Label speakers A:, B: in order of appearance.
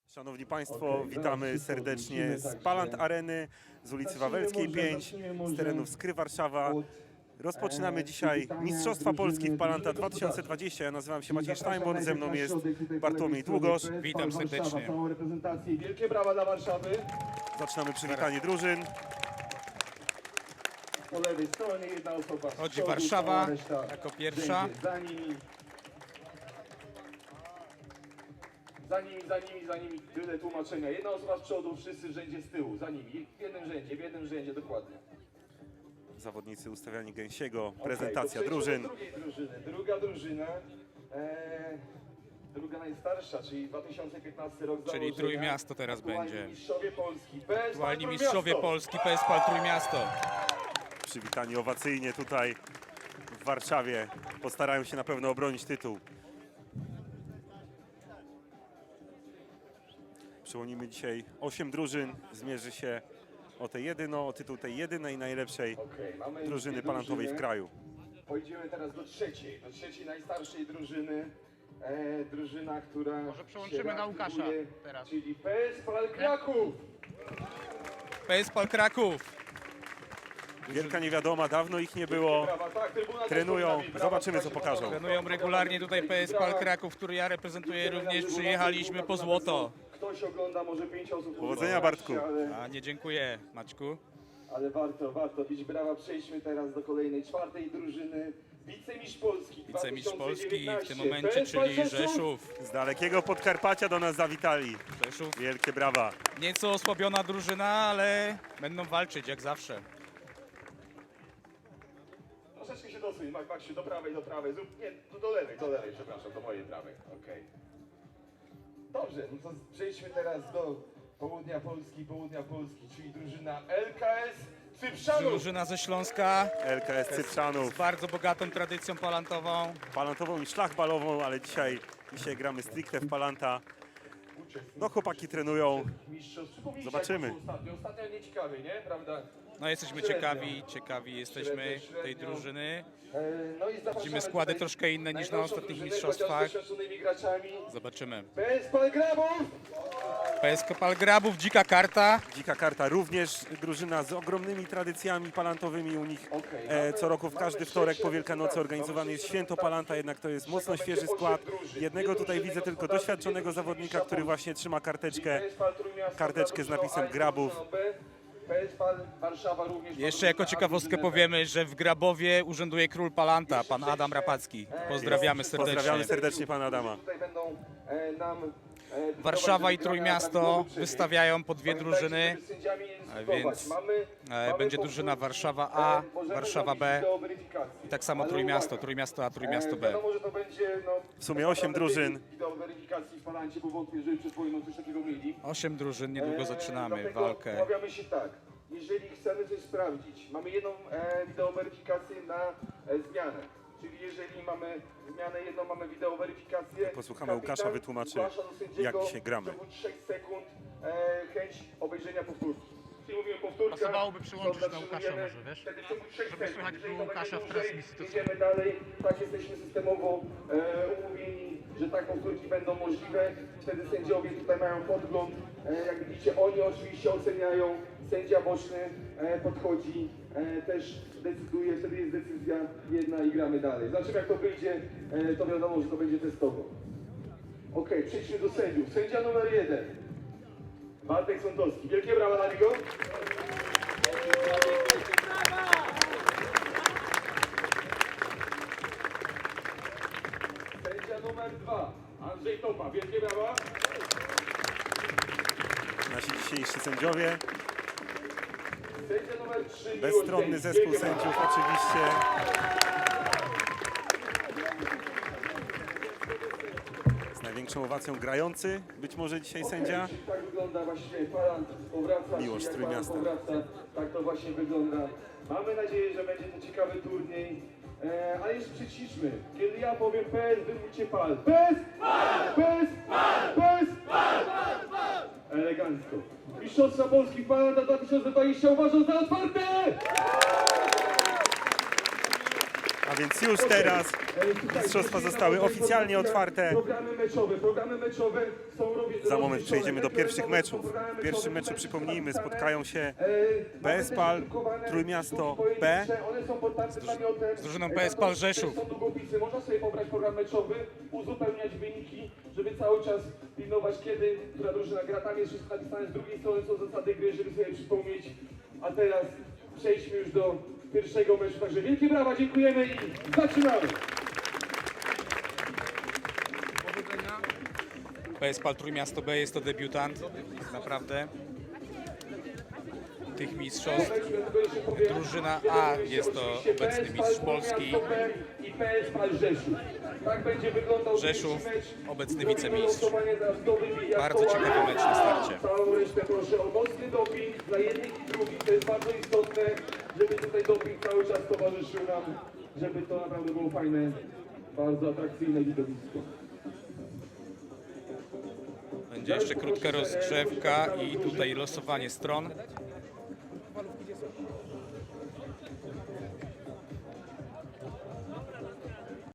A: Szanowni Państwo, witamy serdecznie z Palant Areny, z ulicy Wawelskiej 5, z terenów Skry Warszawa. Rozpoczynamy dzisiaj Mistrzostwa Polski w Palanta 2020. Ja nazywam się Maciej Steinborn, ze mną jest Bartłomiej Długosz.
B: Witam serdecznie.
C: Wielkie brawa dla Warszawy.
A: Zaczynamy przywitanie drużyn.
C: Po lewej stronie jedna osoba z
B: Chodzi
C: przodu,
B: Warszawa
C: cała reszta
B: jako pierwsza.
C: będzie za nimi. Za nimi tyle tłumaczenia. Jedna osoba z przodu, wszyscy w rzędzie z tyłu, za nimi. W jednym rzędzie, dokładnie.
A: Zawodnicy ustawiani gęsiego,
C: Okej,
A: prezentacja
C: to przejdźmy
A: drużyn.
C: do drugiej drużyny. Druga drużyna, druga najstarsza, czyli 2015 rok
B: Czyli
C: założenia.
B: Trójmiasto teraz
C: Aktualni
B: będzie.
C: mistrzowie Polski. PSPAL
B: Aktualni
C: Trójmiasto.
B: mistrzowie Polski, PSPAL Trójmiasto.
A: Przywitani owacyjnie tutaj w Warszawie. Postarają się na pewno obronić tytuł. Przyłonimy dzisiaj 8 drużyn. Zmierzy się o tytuł tej jedynej najlepszej
C: Okej, mamy
A: drużyny
C: dwie
A: palantowej w
C: drużyny.
A: kraju.
C: Pójdziemy teraz do trzeciej najstarszej drużyny. Drużyna, która
D: Może przełączymy
C: się
D: na Łukasza
C: reaktywuje,
D: teraz.
C: czyli PSPAL Kraków.
B: PSPAL Kraków.
A: Wielka niewiadoma, dawno ich nie było.
C: Brawa, tak, trybuna też
A: Trenują.
C: pod nami. Brawa,
A: Zobaczymy, co
C: słuchajcie,
A: pokażą.
C: brawa.
B: Trenują regularnie tutaj PSPAL
C: Brawa.
B: Kraków, który ja reprezentuję
C: Idziemy
B: również.
C: na żywo,
B: Przyjechaliśmy
C: na
B: po
C: żywo,
B: złoto.
C: Ktoś ogląda, może 5 osób.
A: Powodzenia, Bartku.
B: A nie dziękuję, Maćku.
C: Ale warto bić brawa. Przejdźmy teraz do kolejnej, czwartej drużyny. Wicemistrz Polski
B: Wicemistrz Polski w tym
C: 2019.
B: momencie,
C: PSPAL
B: czyli Rzeszów.
A: Z dalekiego Podkarpacia do nas zawitali.
B: Rzeszów.
A: Wielkie brawa.
B: Nieco osłabiona drużyna, ale będą walczyć jak zawsze.
C: Troszeczkę się dosuń, Maksiu, do prawej. Zrób, nie, do lewej, przepraszam, do mojej prawej. Okej. Dobrze, no to przejdźmy teraz do południa Polski, czyli drużyna LKS Cyprzanów.
B: Drużyna ze Śląska
A: LKS Cyprzanów.
B: z bardzo bogatą tradycją palantową.
A: Palantową i szlachbalową, ale dzisiaj gramy stricte w Palanta. No chłopaki trenują.
C: Mistrzostw. Przypomnijcie,
A: Zobaczymy.
C: jak było Ostatnio nieciekawie, nie? Prawda?
B: No jesteśmy ciekawi jesteśmy tej drużyny.
C: No i zapraszamy
B: Widzimy składy
C: tutaj
B: troszkę inne niż na
C: najnowszą
B: ostatnich
C: drużynę,
B: mistrzostwach.
C: chociaż z doświadczonymi graczami.
B: Zobaczymy.
C: PSPAL Grabów!
B: PSPAL Grabów, dzika karta.
A: Dzika Karta również drużyna z ogromnymi tradycjami palantowymi u nich.
C: Okej,
A: Co roku w każdy wtorek po Wielkanocy organizowany jest święto Palanta, jednak to jest mocno świeży skład. Jednego tutaj widzę tylko doświadczonego zawodnika, który właśnie trzyma karteczkę.
C: PSPAL Trójmiasto
A: Karteczkę z napisem
C: zaproszono
A: Grabów.
C: drużyną B. PSPAL Warszawa również.
B: Jeszcze jako ciekawostkę powiemy, że w Grabowie urzęduje król Palanta, pan Adam Rapacki. Pozdrawiamy serdecznie.
A: Pozdrawiamy serdecznie pana Adama.
C: Tutaj będą nam
B: Warszawa i Trójmiasto wystawiają po dwie drużyny,
C: więc
B: będzie drużyna Warszawa A, Warszawa B i tak samo Trójmiasto A, Trójmiasto B.
C: Wiadomo, że to będzie, no,
A: W sumie 8 drużyn.
C: wideo weryfikacji w Palancie, bo wątpię, że przed wojną coś takiego mieli.
B: 8 drużyn, niedługo zaczynamy
C: Dlatego
B: walkę.
C: umawiamy się tak, jeżeli chcemy coś sprawdzić, mamy jedną wideo weryfikację na zmianę. Czyli jeżeli mamy zmianę jedną, mamy wideo weryfikację.
A: Posłuchamy Łukasza, wytłumaczy,
C: zgłasza do sędziego
A: jak dzisiaj gramy.
C: W ciągu 3 sekund chęć obejrzenia powtórki. Czyli mówimy powtórka.
D: Pasowałoby przyłączyć
C: to
D: na Łukasza
C: zatrzymujemy,
D: może, wiesz?
C: wtedy w ciągu 3
D: Żeby
C: sekund.
D: słychać
C: Jeżeli
D: było
C: to będzie
D: Łukasza w
C: dłużej,
D: transmisji, to
C: idziemy dalej. Tak jesteśmy systemowo umówieni, że tak powtórki będą możliwe. Wtedy sędziowie tutaj mają podgląd. Jak widzicie, oni oczywiście oceniają. Sędzia boczny podchodzi, też decyduje, wtedy jest decyzja jedna i gramy dalej. Zobaczymy, jak to wyjdzie, to wiadomo, że to będzie testowo. Okej, przejdźmy do sędziów. Sędzia numer 1. Bartek Sądowski. Wielkie brawa dla niego. Sędzia numer 2. Andrzej Topa. Wielkie brawa.
A: Nasi dzisiejsi sędziowie.
C: Sędzia numer 3.
A: Bezstronny zespół sędziów oczywiście. Z największą owacją grający być może dzisiaj sędzia.
C: Czyli tak wygląda właśnie Palant, powraca.
A: Miłość
C: czyli jak
A: Trójmiasta.
C: Palant powraca, tak to właśnie wygląda. Mamy nadzieję, że będzie to ciekawy turniej. Ale jeszcze przyciszmy. Kiedy ja powiem PES, wy mówicie PAL. PES! PES! PES! Elegancko. Mistrzostwa Polski Palanta 2020 uważam za otwarte!
A: A więc już teraz mistrzostwa zostały oficjalnie otwarte.
C: Programy meczowe są
A: Za moment zaraz przejdziemy do pierwszych meczów. W pierwszym meczu, przypomnijmy, spotkają się PS Pal, Trójmiasto B.
B: Z drużyną PS Pal Rzeszów.
C: Są długopisy, można sobie pobrać program meczowy, uzupełniać wyniki, żeby cały czas pilnować, kiedy która drużyna gra. Tam jest wszystko napisane, z drugiej strony są zasady gry, żeby sobie przypomnieć. A teraz przejdźmy już do pierwszego meczu. Także wielkie brawa, dziękujemy i zaczynamy!
B: PS Pal Trójmiasto B jest to debiutant, naprawdę, tych mistrzostw. Drużyna A jest to obecny mistrz Polski.
C: I PS Pal Rzeszów. Tak będzie wyglądał
B: Rzeszów,
C: mecz.
B: obecny wicemistrz. Bardzo
C: Bardzo
B: ciekawy mecz na starcie.
C: Całą resztę proszę o mocny doping dla jednych i drugich. To jest bardzo istotne, żeby tutaj doping cały czas towarzyszył nam, żeby to naprawdę było fajne, bardzo atrakcyjne widowisko.
B: Będzie jeszcze krótka rozgrzewka i tutaj losowanie stron.